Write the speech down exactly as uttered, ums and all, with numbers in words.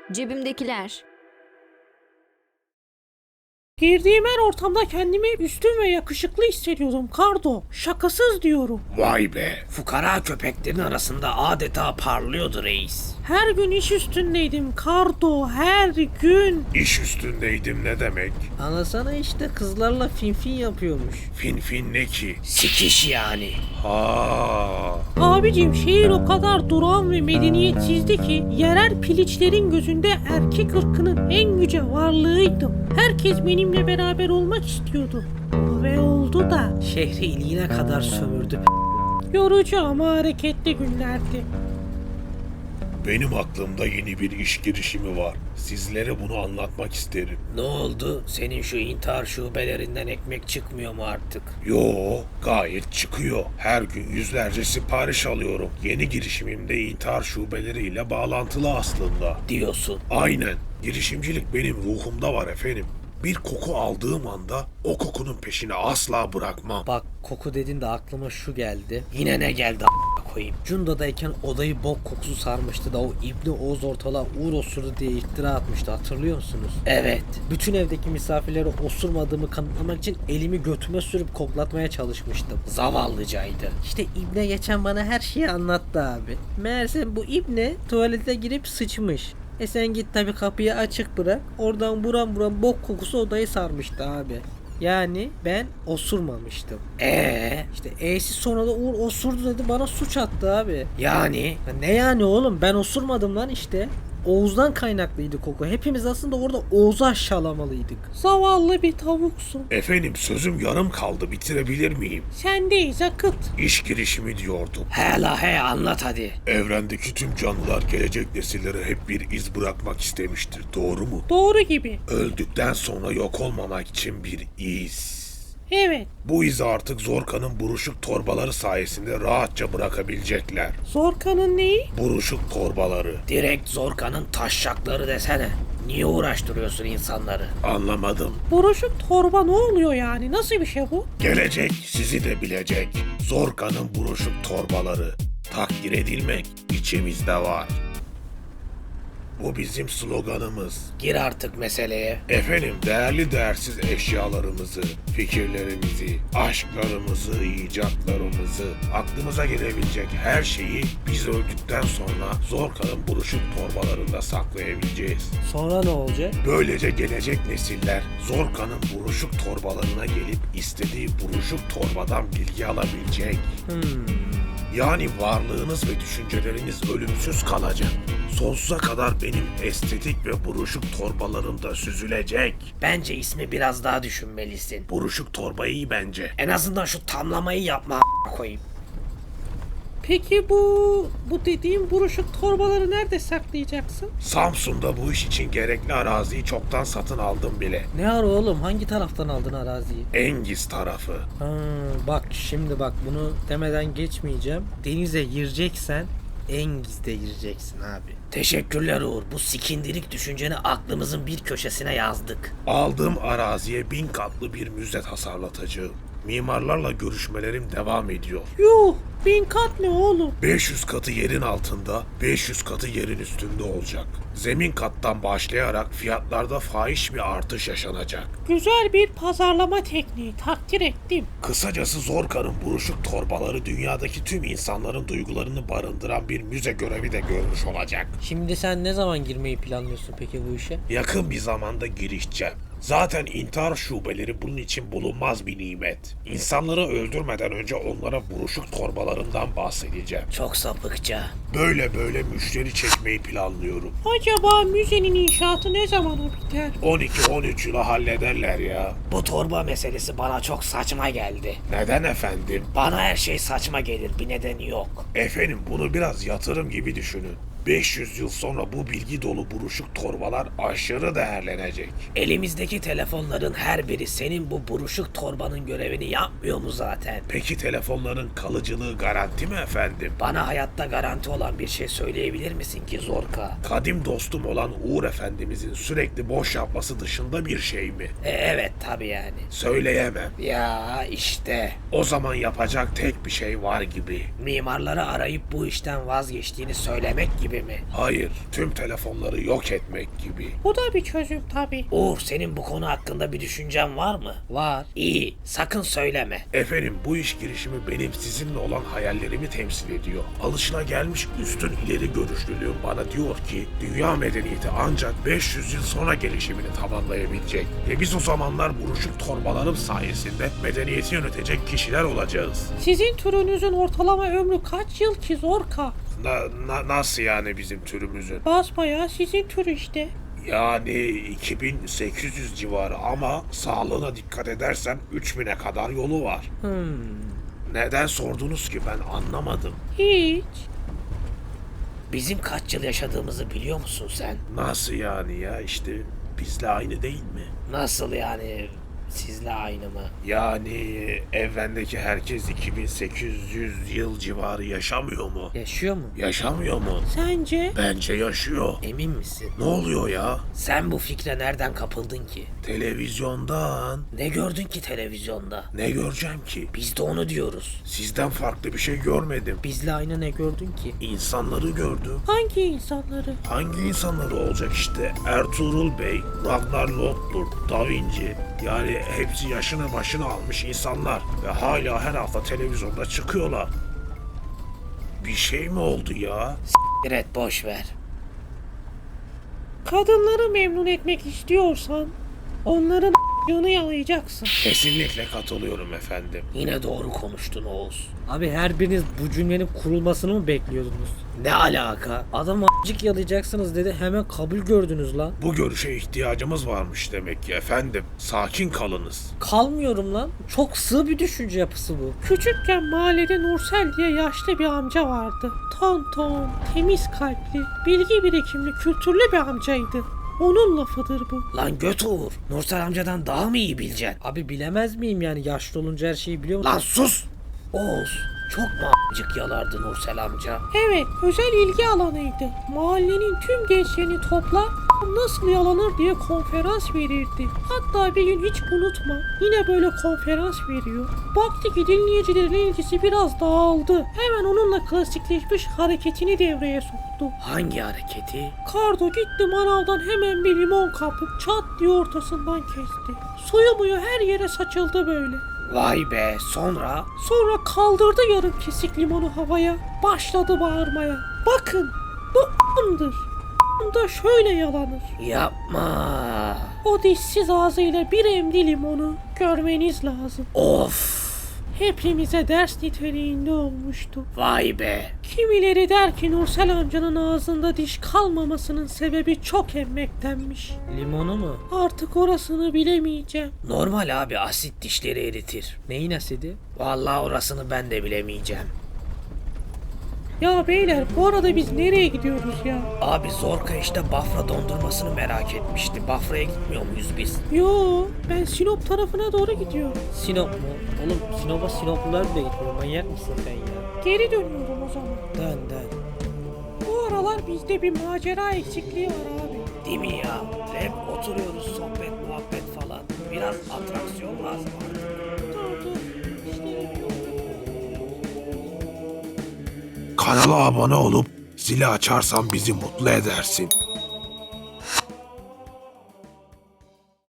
Cebimdekiler. Girdiğim her ortamda kendimi üstün ve yakışıklı hissediyordum Kardo. Şakasız diyorum. Vay be, fukara köpeklerin arasında adeta parlıyordu reis. Her gün iş üstündeydim Kardo, her gün. İş üstündeydim ne demek? Anlasana işte kızlarla finfin yapıyormuş. Fin fin ne ki? Sikiş yani. Ha. Abicim şehir o kadar durağan ve medeniyetsizdi ki yerel piliçlerin gözünde erkek ırkının en yüce varlığıydım. Herkes benimle beraber olmak istiyordu. Ve oldu da. Şehri iliğine kadar sömürdü. Yorucu ama hareketli günlerdi. Benim aklımda yeni bir iş girişimi var. Sizlere bunu anlatmak isterim. Ne oldu? Senin şu intihar şubelerinden ekmek çıkmıyor mu artık? Yo, gayet çıkıyor. Her gün yüzlerce sipariş alıyorum. Yeni girişimimde intihar şubeleriyle bağlantılı aslında. Diyorsun. Aynen. Girişimcilik benim ruhumda var efendim. Bir koku aldığım anda o kokunun peşini asla bırakmam. Bak koku dedin de aklıma şu geldi. Yine ne geldi a**a koyayım. Cunda'dayken odayı bok kokusu sarmıştı da o İbni Oğuz ortalığa uğur osurdu diye iftira atmıştı, hatırlıyor musunuz? Evet. Bütün evdeki misafirlere osurmadığımı kanıtlamak için elimi götüme sürüp koklatmaya çalışmıştım. Zavallıcaydı. İşte İbne geçen bana her şeyi anlattı abi. Meğerse bu İbne tuvalete girip sıçmış. E sen git tabi kapıyı açık bırak. Oradan buram buram bok kokusu odayı sarmıştı abi. Yani ben osurmamıştım. Ee, işte E'si sonra da Uğur osurdu dedi, bana suç attı abi. Yani? Ya ne yani oğlum, ben osurmadım lan işte. Oğuz'dan kaynaklıydı koku. Hepimiz aslında orada Oğuz'u aşağılamalıydık. Zavallı bir tavuksun. Efendim sözüm yarım kaldı, bitirebilir miyim? Sendeyiz akıt. İş girişimi diyordum. He la he, anlat hadi. Evrendeki tüm canlılar gelecek nesillere hep bir iz bırakmak istemiştir, doğru mu? Doğru gibi. Öldükten sonra yok olmamak için bir iz. Evet. Bu izi artık Zorka'nın buruşuk torbaları sayesinde rahatça bırakabilecekler. Zorka'nın neyi? Buruşuk torbaları. Direkt Zorka'nın taşşakları desene. Niye uğraştırıyorsun insanları? Anlamadım. Buruşuk torba ne oluyor yani? Nasıl bir şey bu? Gelecek sizi de bilecek. Zorka'nın buruşuk torbaları. Takdir edilmek içimizde var. Bu bizim sloganımız. Gir artık meseleye. Efendim değerli değersiz eşyalarımızı, fikirlerimizi, aşklarımızı, icatlarımızı, aklımıza gelebilecek her şeyi biz öldükten sonra Zorka'nın buruşuk torbalarında saklayabileceğiz. Sonra ne olacak? Böylece gelecek nesiller Zorka'nın buruşuk torbalarına gelip istediği buruşuk torbadan bilgi alabilecek. Hmm. Yani varlığınız ve düşünceleriniz ölümsüz kalacak. Sonsuza kadar benim estetik ve buruşuk torbalarımda süzülecek. Bence ismi biraz daha düşünmelisin. Buruşuk torba iyi bence. En azından şu tamlamayı yapma a**a koyayım. Peki bu bu dediğim buruşuk torbaları nerede saklayacaksın? Samsun'da bu iş için gerekli araziyi çoktan satın aldım bile. Ne ara oğlum, hangi taraftan aldın araziyi? Engiz tarafı. Ha, bak şimdi bak, bunu demeden geçmeyeceğim. Denize gireceksen Engiz'de gireceksin abi. Teşekkürler Uğur. Bu sikindirik düşünceni aklımızın bir köşesine yazdık. Aldığım araziye bin katlı bir müze tasarlatacağım. Mimarlarla görüşmelerim devam ediyor. Yuh, bin kat ne oğlum? beş yüz katı yerin altında, beş yüz katı yerin üstünde olacak. Zemin kattan başlayarak fiyatlarda fahiş bir artış yaşanacak. Güzel bir pazarlama tekniği, takdir ettim. Kısacası Zorka'nın buruşuk torbaları dünyadaki tüm insanların duygularını barındıran bir müze görevi de görmüş olacak. Şimdi sen ne zaman girmeyi planlıyorsun peki bu işe? Yakın bir zamanda girişeceğim. Zaten intihar şubeleri bunun için bulunmaz bir nimet. İnsanları öldürmeden önce onlara buruşuk torbalarından bahsedeceğim. Çok sapıkça. Böyle böyle müşteri çekmeyi planlıyorum. Acaba müzenin inşaatı ne zamana biter? on iki on üç yıla hallederler ya. Bu torba meselesi bana çok saçma geldi. Neden efendim? Bana her şey saçma gelir, bir nedeni yok. Efendim bunu biraz yatırım gibi düşünün. beş yüz yıl sonra bu bilgi dolu buruşuk torbalar aşırı değerlenecek. Elimizdeki telefonların her biri senin bu buruşuk torbanın görevini yapmıyor mu zaten? Peki telefonların kalıcılığı garanti mi efendim? Bana hayatta garanti olan bir şey söyleyebilir misin ki Zorka? Kadim dostum olan Uğur Efendimizin sürekli boş yapması dışında bir şey mi? E, evet tabii yani. Söyleyemem. Ya işte. O zaman yapacak tek bir şey var gibi. Mimarları arayıp bu işten vazgeçtiğini söylemek gibi gibi mi? Hayır, tüm telefonları yok etmek gibi. Bu da bir çözüm tabii. Uğur, senin bu konu hakkında bir düşüncen var mı? Var. İyi, sakın söyleme. Efendim, bu iş girişimi benim sizinle olan hayallerimi temsil ediyor. Alışılagelmiş üstün ileri görüşlülüğüm bana diyor ki dünya medeniyeti ancak beş yüz yıl sonra gelişimini tamamlayabilecek. Ve biz o zamanlar buruşuk torbalarım sayesinde medeniyeti yönetecek kişiler olacağız. Sizin türünüzün ortalama ömrü kaç yıl ki Zorka? Na, na- nasıl yani bizim türümüzün? Basbayağı sizin tür işte. Yani iki bin sekiz yüz civarı ama sağlığına dikkat edersen üç bine kadar yolu var. Hmm. Neden sordunuz ki ben anlamadım. Hiç. Bizim kaç yıl yaşadığımızı biliyor musun sen? Nasıl yani ya işte bizle aynı değil mi? Nasıl yani? Sizle aynı mı? Yani evrendeki herkes iki bin sekiz yüz yıl civarı yaşamıyor mu? Yaşıyor mu? Yaşamıyor mu? Sence? Bence yaşıyor. Emin misin? Ne oluyor ya? Sen bu fikre nereden kapıldın ki? Televizyondan. Ne gördün ki televizyonda? Ne göreceğim ki? Biz de onu diyoruz. Sizden farklı bir şey görmedim. Bizle aynı ne gördün ki? İnsanları gördüm. Hangi insanları? Hangi insanları olacak işte? Ertuğrul Bey, Ragnar Lothbrok, Da Vinci. Yani hepsi yaşını başını almış insanlar. Ve hala her hafta televizyonda çıkıyorlar. Bir şey mi oldu ya? Evet, boş ver. Kadınları memnun etmek istiyorsan onların yanı yalayacaksın. Kesinlikle katılıyorum efendim. Yine doğru konuştun Oğuz. Abi her biriniz bu cümlenin kurulmasını mı bekliyordunuz? Ne alaka? Adam a**cık yalayacaksınız dedi, hemen kabul gördünüz lan. Bu görüşe ihtiyacımız varmış demek ki efendim. Sakin kalınız. Kalmıyorum lan. Çok sığ bir düşünce yapısı bu. Küçükken mahallede Nursel diye yaşlı bir amca vardı. Ton ton, temiz kalpli, bilgi birikimli, kültürlü bir amcaydı. Onun lafıdır bu. Lan göt Uğur. Nursel amcadan daha mı iyi bileceksin? Abi bilemez miyim yani, yaşlı olunca her şeyi biliyor musun? Lan sus! Oğuz, çok mu a**cık yalardı Nursel amca? Evet, özel ilgi alanıydı. Mahallenin tüm gençlerini toplar, nasıl yalanır diye konferans verirdi. Hatta bir gün hiç unutma, yine böyle konferans veriyor. Baktı ki dinleyicilerin ilgisi biraz dağıldı. Hemen onunla klasikleşmiş hareketini devreye soktu. Hangi hareketi? Kardo gitti manavdan hemen bir limon kapıp çat diye ortasından kesti. Suyu muyu her yere saçıldı böyle. Vay be, sonra? Sonra kaldırdı yarım kesik limonu havaya. Başladı bağırmaya. Bakın bu a**ımdır. A**ım da şöyle yalanır. Yapma. O dişsiz ağzıyla bir emdi limonu görmeniz lazım. Of. Hepimize ders niteliğinde olmuştu. Vay be. Kimileri der ki Nursel amcanın ağzında diş kalmamasının sebebi çok emmektenmiş. Limonu mu? Artık orasını bilemeyeceğim. Normal abi, asit dişleri eritir. Neyin asidi? Vallahi orasını ben de bilemeyeceğim. Ya beyler bu arada biz nereye gidiyoruz ya? Abi Zorka işte Bafra dondurmasını merak etmişti. Bafra'ya gitmiyor muyuz biz? Yo, ben Sinop tarafına doğru gidiyorum. Sinop mu? Oğlum Sinop'a Sinoplular bile gitmiyor. Manyak mısın sen ya? Geri dönüyorum o zaman. Dön dön. Bu aralar bizde bir macera eksikliği var abi. Değil mi ya? Hep oturuyoruz, sohbet muhabbet falan. Biraz atraksiyon lazım artık. Dur dur. İşlerim yok. Kanala abone olup zili açarsan bizi mutlu edersin.